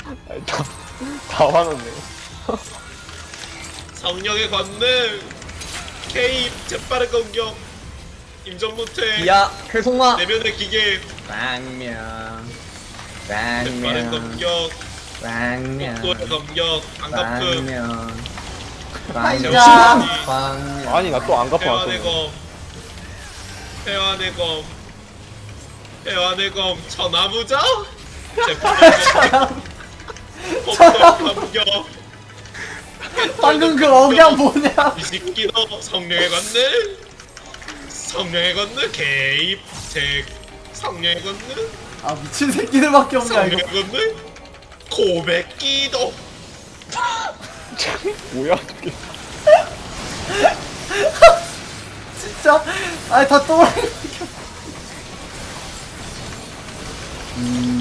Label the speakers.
Speaker 1: 아니, 다 화났네.
Speaker 2: 성령의 권능 개입 재빠른 공격 임전 못해
Speaker 3: 기야 회송마
Speaker 2: 내면의 기계
Speaker 3: 빵명
Speaker 2: 재빠른
Speaker 3: 빵명
Speaker 2: 공격
Speaker 3: 빵명
Speaker 2: 속도의 공격 안갚음
Speaker 3: 빵명
Speaker 4: 아이야.
Speaker 3: 빵명
Speaker 1: 아니, 나 또 안 갚아.
Speaker 2: 회환의 검 회환의 검 회환의 검 천하무적 재빠른 공격 공격
Speaker 4: 방금 그 억양 뭐냐?
Speaker 2: 이 새끼도 성령의 권능 성령의 권능 개입 제 성령의 권능
Speaker 4: 아 미친 새끼들밖에 없냐 이거.
Speaker 2: 성령의 권능 고백 기도
Speaker 1: 뭐야, 저게.
Speaker 4: 진짜 아니 다 또라이.